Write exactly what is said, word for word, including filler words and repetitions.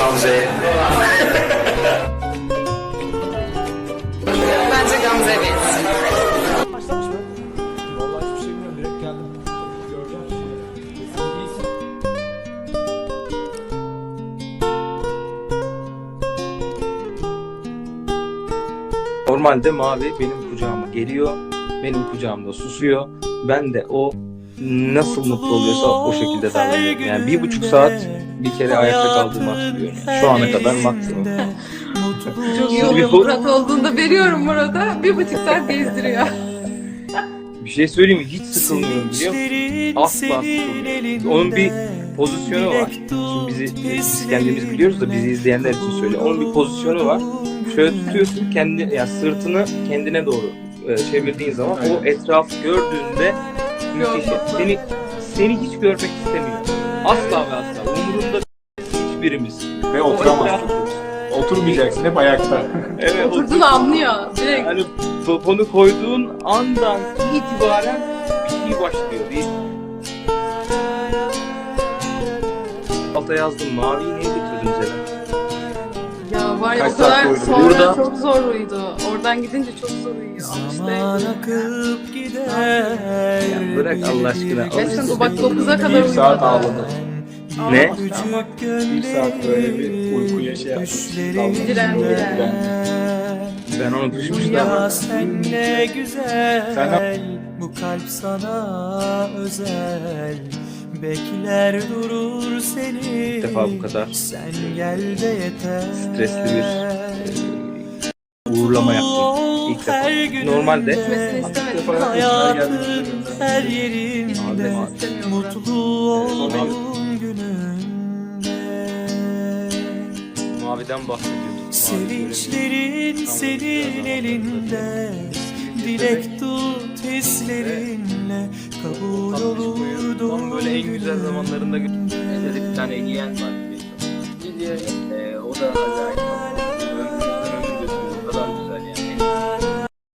Gamze'ye. Bence Gamze'ye benziyor. Başlamış mı? Vallahi hiçbir şey bilmiyorum. Direkt geldim. Göreceğim. İyisin. Normalde Mavi benim kucağıma geliyor, benim kucağımda susuyor. Ben de o nasıl mutlu oluyorsa o şekilde davranıyorum. Yani bir buçuk saat bir kere ayakta kaldığımı hatırlıyorum. Yani. Şu ana kadar maksimum. Çok iyi oluyor Murat olduğunda veriyorum Murat'a. Bir buçuk saat gezdiriyor. Bir şey söyleyeyim mi? Hiç sıkılmıyorum biliyor musun? Asla sıkılmıyorum. Onun bir pozisyonu var. Şimdi bizi biz kendimiz biliyoruz da bizi izleyenler için söyle. Onun bir pozisyonu var. Şöyle tutuyorsun kendi yani sırtını kendine doğru e, çevirdiğin zaman o etrafı gördüğünde müthiş. Seni seni hiç görmek istemiyor. Asla ve asla. Umurunda hiçbirimiz. Ve oturamazsın. Oturmayacaksın. Hep ayakta. Evet, Oturduğunu anlıyor. Direkt. Yani poponu koyduğun andan itibaren bir şey başlıyor. Bir alta yazdım. Maviyi niye getirdin Zeren? Ya var ya Kaç o kadar saat uyudu? sonra Burada- çok zor uyudu. Oradan gidince çok zor uyuyor. Ama işte akıp gider. Ya bırak Allah aşkına. gerçekten bu bak dokuza kadar Bir uyudu. saat ağladı. Ne? Bir saat böyle bir uykuya şey yapmış. Diren, diren. Ben onu düşmüştüm. Ya sen ne güzel. Sen Bu kalp sana özel. Bekler durur seni. İlk defa bu kadar Sen gel de yeter. stresli bir e, uğurlama yaptım. İlk defa. Normalde Gitmesini istemedim. Hayatın her Abi, yerinde Gitmesini istemiyorum. mutlu olduğun gününde. Maviden bahsediyordum. Sevinçlerin senin elinde, dilek tut hislerinle, kabul olur Tam doğum böyle en güzel günün. zamanlarında bir tane giyen var. Ee, o da